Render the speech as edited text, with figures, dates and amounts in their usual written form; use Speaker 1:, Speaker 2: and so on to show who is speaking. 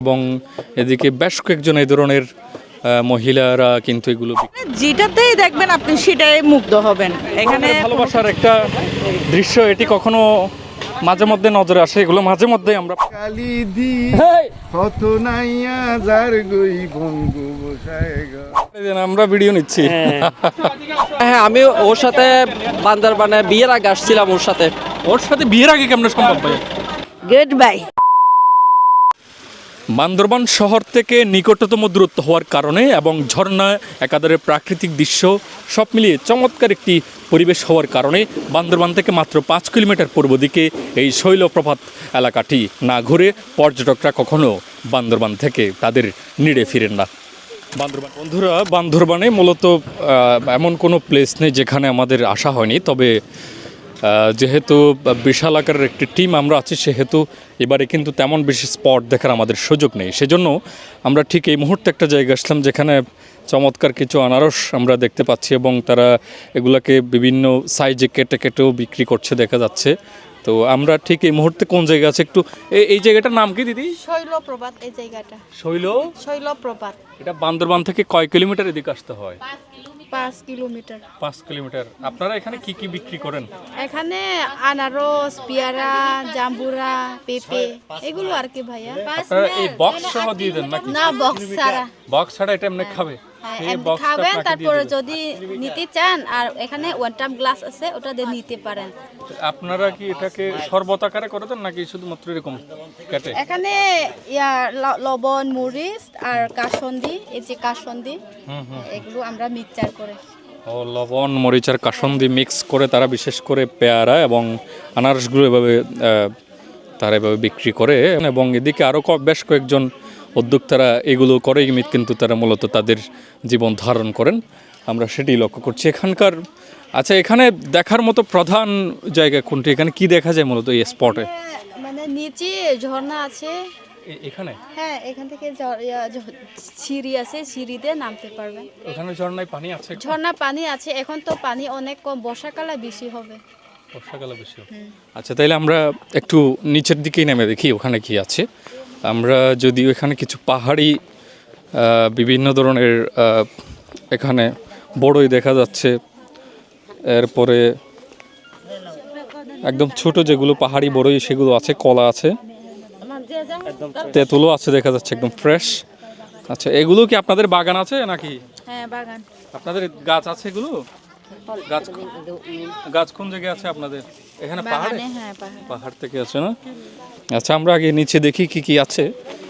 Speaker 1: এবং এদিকে বেশ কয়েকজন এই ধরনের মহিলারা কিন্তু এগুলো
Speaker 2: যেটাতেই দেখবেন আপনি সেটাই মুগ্ধ হবেন। এখানে
Speaker 1: ভালোবাসার একটা দৃশ্য, এটি কখনো মাঝে মধ্যে নজরে আসে, এগুলো মাঝে মধ্যে আমরা আমরা ভিডিও নিচ্ছি।
Speaker 3: হ্যাঁ, আমি ওর সাথে বান্দরবানে বিয়ের আগে আসছিলাম। ওর সাথে
Speaker 1: বিয়ের আগে কেমন সম্ভব ভাই?
Speaker 2: Good bye.
Speaker 1: বান্দরবান শহর থেকে নিকটতম দূরত্ব হওয়ার কারণে এবং ঝর্ণা একাধারে প্রাকৃতিক দৃশ্য সব মিলিয়ে চমৎকার একটি পরিবেশ হওয়ার কারণে বান্দরবান থেকে মাত্র 5 কিলোমিটার পূর্ব দিকে এই শৈলপ্রপাত এলাকাটি না ঘুরে পর্যটকরা কখনো বান্দরবান থেকে তাদের নিড়ে ফিরেন না। বন্ধুরা, বান্দরবানে মূলত এমন কোনো প্লেস নেই যেখানে আমাদের আসা হয়নি, তবে যেহেতু বিশাল আকারের একটি টিম আমরা আছি, সেহেতু এবারে কিন্তু তেমন বেশি স্পট দেখার আমাদের সুযোগ নেই। সেজন্য আমরা ঠিক এই মুহূর্তে একটা জায়গা আসলাম যেখানে চমৎকার কিছু আনারস আমরা দেখতে পাচ্ছি এবং তারা এগুলাকে বিভিন্ন সাইজে কেটে কেটেও বিক্রি করছে দেখা যাচ্ছে। তো আমরা ঠিক এই মুহূর্তে কোন জায়গা আছে একটু, এই জায়গাটার নাম কি দিদি?
Speaker 4: শৈলপ্রপাত। এই জায়গাটা শৈলপ্রপাত।
Speaker 1: এটা বান্দরবান থেকে কয় কিলোমিটার এদিকে আসতে হয়?
Speaker 4: 5 কিলোমিটার।
Speaker 1: 5 কিলোমিটার। আপনারা এখানে কি কি বিক্রি করেন?
Speaker 4: এখানে আনারস, পেয়ারা, জাম্বুরা, পেঁপে এগুলো আর কি ভাইয়া।
Speaker 1: আপনারা এই বক্স সহ দিয়ে দেন নাকি?
Speaker 4: না, বক্স ছাড়া।
Speaker 1: বক্স ছাড়া এটা এমনি খাবে?
Speaker 4: খাবেন, তারপরে যদি নিতে চান আর এখানে ওয়ান টাইম গ্লাস আছে, ওটা দিয়ে নিতে পারেন।
Speaker 1: আপনারা কি এটাকে শরবত আকারে করে দেন নাকি শুধুমাত্র এরকম কেটে?
Speaker 4: এখানে লবণ, মরিচ আর কাসন্দি, এই যে কাসন্দি, এগুলো আমরা মিক্সচার করে
Speaker 1: লবণ, মরিচ আর কাসন্দি মিক্স করে তারা বিশেষ করে পেয়ারা এবং আনারসগুলো এভাবে তারা এভাবে বিক্রি করে। এবং এদিকে আরও বেশ কয়েকজন উদ্যোক্তারা এগুলো করে, কিন্তু তারা মূলত তাদের জীবন ধারণ করেন, আমরা সেটি লক্ষ্য করছি এখানকার। আচ্ছা, এখানে দেখার মতো প্রধান জায়গা কোনটি? এখানে কি দেখা যায় মূলত এই স্পটে?
Speaker 4: মানে নিচে ঝর্ণা আছে
Speaker 1: এখানে।
Speaker 4: হ্যাঁ, এখান থেকে সিঁড়ি আছে, সিঁড়ি দিয়ে নামতে পারবেন।
Speaker 1: ওখানে ঝর্ণায় পানি আছে?
Speaker 4: ঝর্ণা পানি আছে, এখন তো পানি অনেক কম, বর্ষাকালে বেশি হবে।
Speaker 1: বর্ষাকালে বেশি হবে। আচ্ছা, তাইলে আমরা একটু নিচের দিকেই নেমে দেখি ওখানে কি আছে। আমরা যদিও এখানে কিছু পাহাড়ি বিভিন্ন ধরনের এখানে বড়ই দেখা যাচ্ছে, এরপরে একদম ছোট যেগুলো পাহাড়ি বড়ই সেগুলো আছে, কলা আছে, তেঁতুলও আছে দেখা যাচ্ছে একদম ফ্রেশ। আচ্ছা, এগুলো কি আপনাদের বাগান আছে নাকি?
Speaker 4: হ্যাঁ, বাগান।
Speaker 1: আপনাদের গাছ আছে এগুলো? গাছ কোন জায়গায় আছে আপনাদের? এখানে পাহাড়ে?
Speaker 4: হ্যাঁ,
Speaker 1: পাহাড় থেকে আছে না? আচ্ছা, আমরা আগে নিচে দেখি কি কি আছে।